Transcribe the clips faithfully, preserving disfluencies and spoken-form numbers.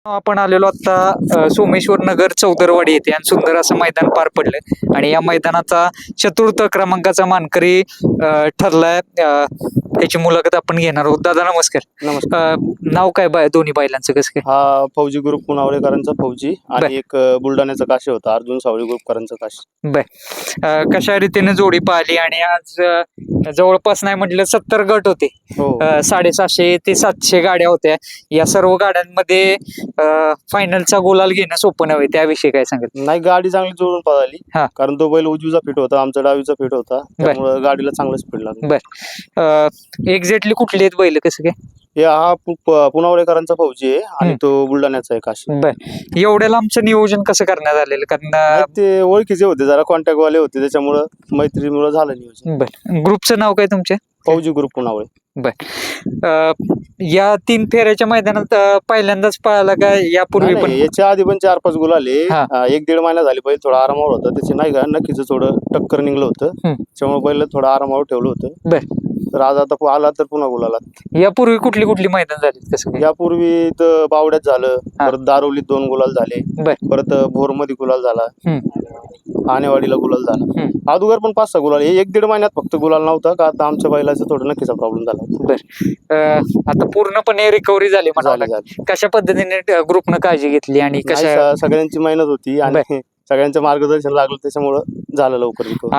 आपण आलेलो आता सोमेश्वर नगर चौदरवाडी येथे आणि सुंदर असं मैदान पार पडलं आणि या मैदानाचा चतुर्थ क्रमांकाचा मानकरी अ, ठरलाय. अ, त्याची मुलाखत आपण घेणार आहोत. दादा नमस्कार. नमस्कार. अ, नाव काय बाय दोन्ही बैलांचं कसं काय? हा फौजी ग्रुप पुनावळेकरांचा फौजी बर. आणि एक अ, बुलढाण्याचा काशी होता, अर्जुन सावळी ग्रुपकरांचा काशी. बर अ, कशा रीतीने जोडी पाहिली आणि आज अ, जवळपास नाही म्हटलं सत्तर गट होते. हो अ, साडेसहाशे ते सातशे गाड्या होत्या. या सर्व गाड्यांमध्ये फायनलचा गुलाल घेणं सोपं नव्हे, त्याविषयी काय सांगेल? नाही, गाडी चांगली जुळून पळाली. हा. कारण तो बैल उजवीचा फिट होता, आमचा डावीचा फिट होता, त्यामुळे गाडीला चांगलं स्पीड लागलं. बर एक्झॅक्टली कुठले आहेत बैल कसं काय? हे हा पु- प- पुनावळेकरांचा फौजी आहे आणि तो बुलढाण्याचा आहे काशी. बर एवढ्या लांबचं नियोजन कसं करण्यात आलेलं? कारण नाही, ते ओळखीचे होते, जरा कॉन्टॅक्ट वाले होते, त्याच्यामुळं मैत्रीमुळे झालं नियोजन. बर ग्रुपचं नाव काय तुमच्या? फौजी ग्रुप पुनावळे. बर अ, या तीन फेऱ्याच्या मैदानात अ, पहिल्यांदाच पळाला का यापूर्वी नाही, पण? नाही, याच्या आधी पण चार पाच गुल आले. हा. अ, एक दीड महिना झाली बैल थोडा आरामावर होता, त्याचे नाही का नक्कीच थोडं टक्कर निघलं होतं, हम्म. त्याच्यामुळे बैल थोडं आरामावर ठेवलं होतं. बर तर आज आता आला तर पुन्हा गुलाला. यापूर्वी कुठली कुठली मैदान झाली कसं काय? यापूर्वी तर बावड्यात झालं, हा. परत दारोलीत दोन गुलाल झाले, बर परत भोरमध्ये गुलाल झाला, हम्म. आणेवाडीला गुलाल झाला. हम्म. अगोदर पण पाच सहा गुलाल, हे एक दीड महिन्यात फक्त गुलाल नव्हता का, आता आमच्या बैलाचा थोडा नक्कीचा प्रॉब्लेम झाला. बर अ, आता पूर्णपणे रिकव्हरी झाली म्हणावं झाली लागेल. झाली. कशा पद्धतीने ग्रुपनं काळजी घेतली आणि नाही, कशा स- सगळ्यांची मेहनत होती आणि सगळ्यांचं मार्गदर्शन लागलं, त्याच्यामुळं झालं लवकर recovery.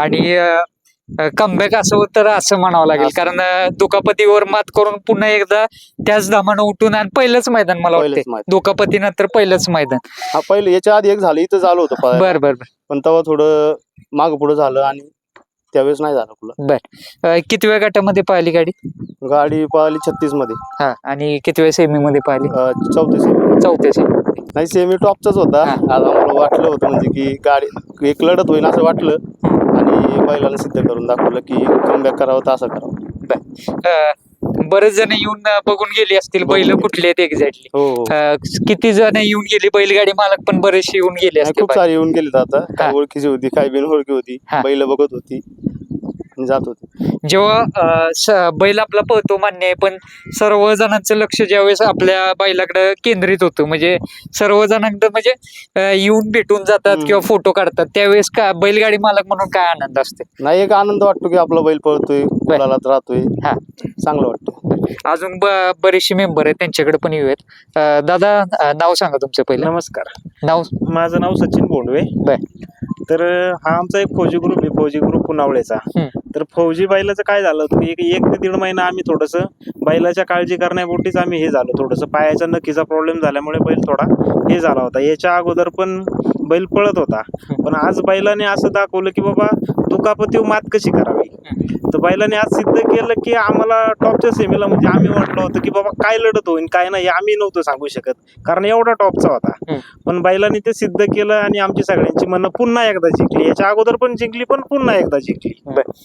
आणि कमबॅक असं तर असं म्हणावं लागेल, असं. कारण अ, दुखापतीवर मात करून पुन्हा एकदा त्याच धामानं उठून आणि पहिलंच मैदान मला पहिलंच वाटतं मैदान. दुखापतीनंतर पहिलंच मैदान. हा, पहिले याच्या आधी एक झालं, इथं झालं होतं पळायला. बर बर बर पण तेव्हा थोडं माग पुढे झालं आणि त्यावेळेस नाही झालं कुला. बर अ, किती वेळ गटामध्ये पाहिली गाडी? गाडी पळाली छत्तीस मध्ये, हा आणि किती वेळ सेमी मध्ये पाहिली? चौथी सेमी. चौथ्या सेमी. नाही, सेमी टॉपचाच होता. हा. आज आम्हाला वाटलं होतं म्हणजे की गाडी एक लढत होईल असं वाटलं आणि बैलाला सिद्ध करून दाखवलं की कमबॅक करावं तर असं करावं. अ, बरेच जण येऊन अ, बघून गेली असतील बैल बघून कुठले आहेत एक्झॅक्टली. हो हो. किती जण येऊन गेली? बैलगाडी मालक पण बरेचसे येऊन गेले नाही, असतील. खूप सारी येऊन गेलीत आता. हा. काही ओळखीची होती, काही बिनओळखी होती, हा. बैल बघत होती आणि जात होती. जेव्हा अ, स- बैल आपला पळतो मान्य आहे, पण सर्व जणांचं लक्ष ज्यावेळेस आपल्या बैलाकडे केंद्रित होतं, म्हणजे सर्व जणांकडे म्हणजे अ, येऊन भेटून जातात हम्म. किंवा फोटो काढतात, त्यावेळेस का बैलगाडी मालक म्हणून काय आनंद असते? नाही, एक आनंद वाटतो की आपला बैल पळतोय, गुलालात राहतोय, हा. चांगलं वाटतं. अजून ब- बरेचसे मेंबर आहेत, त्यांच्याकडे पण येऊयात. अ, दादा अ, नाव सांगा तुमचं पहिलं. नमस्कार, नाव. माझं नाव सचिन बोंडवे. बर. तर अं, हा आमचा एक फौजी ग्रुप आहे, फौजी ग्रुप पुनावळेचा. हम्म. तर फौजी बैलाचं काय झालं होतं, एक एक ते दीड महिना आम्ही थोडंसं बैलाच्या काळजी करण्यापोटीच आम्ही हे झालो, थोडंसं पायाचा नक्कीचा प्रॉब्लेम झाल्यामुळे बैल थोडा हे झाला होता. याच्या अगोदर पण बैल पळत होता, पण आज बैलाने असं दाखवलं की बाबा दुखापतीवर मात कशी करावी. तर बैलाने आज सिद्ध केलं की आम्हाला टॉपच्या सेमीला म्हणजे आम्ही वाटलं होतं की बाबा काय लढत होईल काय नाही आम्ही नव्हतं सांगू शकत, कारण एवढा टॉपचा होता. पण बैलाने ते सिद्ध केलं आणि आमची सगळ्यांची मनं पुन्हा एकदा जिंकली. याच्या अगोदर पण जिंकली, पण पुन्हा एकदा जिंकली.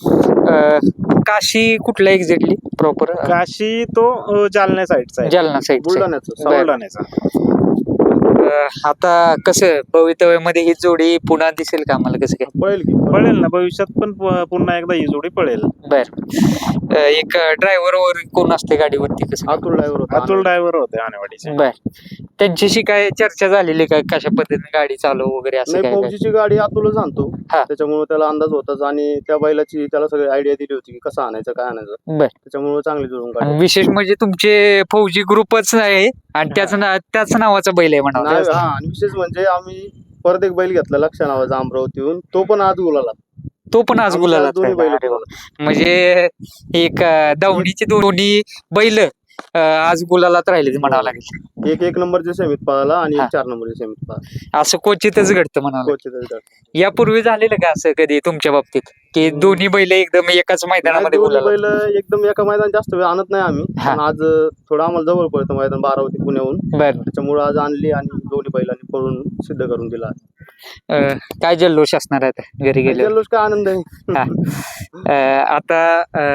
अ, काशी कुठला एक्झॅक्टली प्रॉपर? काशी तो अं, जालन्या साईडचा आहे, जालना साईड. बुलढाण्याचं बर. बुलढाण्याचा. आता कसं भवितव्यामध्ये ही जोडी पुन्हा दिसेल का आम्हाला कसं काय? पळेल की पळेल ना भविष्यात पण प- पुन्हा एकदा ही जोडी पळेल. बर अ, एक ड्रायव्हर वर कोण असते गाडीवरती कसं? अतुल ड्रायव्हर होता. अतुल ड्रायव्हर होते आणेवाडीचे. बर त्यांच्याशी काय चर्चा झालेली का, कशा पद्धतीने गाडी चालू वगैरे असं नाही, काय काय? फौजीची गाडी अतुलच आणतो, हा. त्याच्यामुळे त्याला अंदाज होताच आणि त्या बैलाची त्याला सगळी आयडिया दिली होती की कसं आणायचं काय आणायचं, बर त्याच्यामुळे चांगली जुळून आणि गाडी. विशेष म्हणजे तुमचे फौजी ग्रुपच आहे आणि त्याच ना त्याच नावाचा बैल आहे नाही, म्हणावं. हा, आणि विशेष म्हणजे आम्ही परत एक बैल घेतला लक्ष नावाचा अमरावतीहून, तो पण आज गुलाला. तो पण आज आमचे गुलाला दोन्ही बैल अरे वा. गुलाला. म्हणजे एक अ, दावणीची दोन्ही बैल अ, आज गुलालात राहिले म्हणावं लागेल. एक एक नंबरच्या सेमीत पळाला आणि हा. एक चार नंबरच्या सेमीत पळाला. असं क्वचितच घडतं म्हणावं लागेल. कोचीतच गाडी. यापूर्वी झालेलं का असं कधी तुमच्या बाबतीत की दोन्ही बैल एकदम एकाच मैदानामध्ये नाही, दोन्ही गुलाला? बैल एकदम एका मैदान जास्त वेळ आणत नाही आम्ही, हा. पण आज थोडं आम्हाला जवळ पडतं मैदान बारावती पुण्याहून, बर त्याच्यामुळे आज आणली आणि दोन्ही बैलांनी पळून सिद्ध करून दिला. अ, काय जल्लोष असणार आहे आता घरी गेले? जल्लोष काय आनंद आहे. हा. अ, आता अ,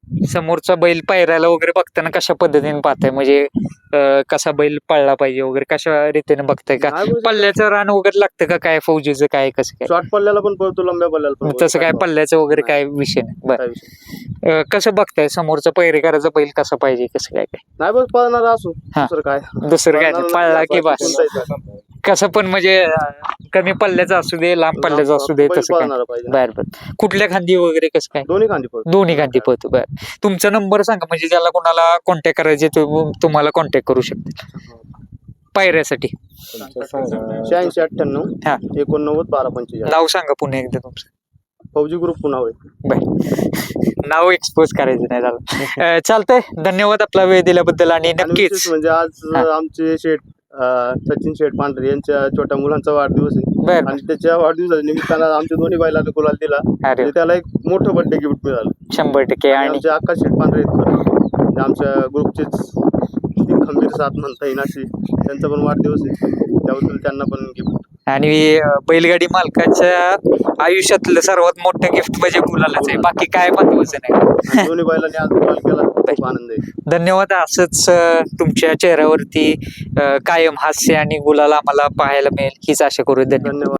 समोरचा बैल पायऱ्याला वगैरे बघताना कशा पद्धतीने पाहताय, म्हणजे अं, कसा बैल पळला पाहिजे वगैरे कशा रीतीने बघताय का? नाही बोलू शकत. पल्ल्याचं रान वगैरे लागतं का काय, फौजीचं काय कसं काय? शॉर्ट पल्ल्याला पण पळतो, लंब्या पल्ल्याला पण पळतो. तसं काय पल्ल्याचं वगैरे काय विषय नाही. बरं काय विषय. अं, कसं बघताय समोरचा पैरेकराचा बैल कसा पाहिजे कसं काय काय? नाही बस पळणार असो, हा. दुसरं काय. दुसरं काय नाही, पळणारा पळला की बाकी बस. कोणताही काय. कसं पण म्हणजे अं, कमी पल्ल्याचा असू दे लांब पल्ल्याचा असू दे बैल तसं काय? पळणारा पाहिजे. बर बर कुठल्या खांदी वगैरे कसं काय? दोन्ही खांदी पळतो. दोन्ही गांधी पळतो. बर तुमचा नंबर सांगा, म्हणजे ज्याला कोणाला कॉन्टॅक्ट करायचे तो तुम्हाला कॉन्टॅक्ट करू शकते पायऱ्यासाठी. शहाऐंशी अठ्ठ्याण्णव हा. एकोणनव्वद बारा पंचेचाळीस. नाव सांगा पुन्हा एकदा तुमचं. फौजी ग्रुप पुन्हा होय. बर नाव एक्सपोज करायचं नाही झालं. अं, चालतंय, धन्यवाद आपला वेळ दिल्याबद्दल आणि आणि नक्कीच विशेष म्हणजे आज हा. आमचे शेठ अं, सचिन शेठ पांढरे यांच्या छोट्या मुलांचा वाढदिवस आहे बर आणि त्याच्या वाढदिवसाच्या निमित्तानं आमच्या दोन्ही बैलांना गुलाल दिला. अरे आणि त्याला एक मोठं बर्थडे गिफ्ट मिळालं. शंभर टक्के. आणि आणि आमचे आकाश शेठ पांढरे आहेत बरं. म्हणजे आमच्या ग्रुपचेच एक खंबीर साथ म्हणता येईल अशी, त्यांचा पण वाढदिवस आहे, त्याबद्दल त्यांना पण गिफ्ट. आणि अं, बैलगाडी मालकाच्या आयुष्यातलं सर्वात मोठं गिफ्ट म्हणजे गुलालच आहे, बाकी काय महत्वाचं नाही. दोन्ही बैलांनी आज गुलाल केला, खूप आनंद आहे. धन्यवाद. असंच अं, तुमच्या चेहऱ्यावरती अं, कायम हास्य आणि गुलाल आम्हाला पाहायला मिळेल हीच आशा करू. धन्यवाद. धन्यवाद.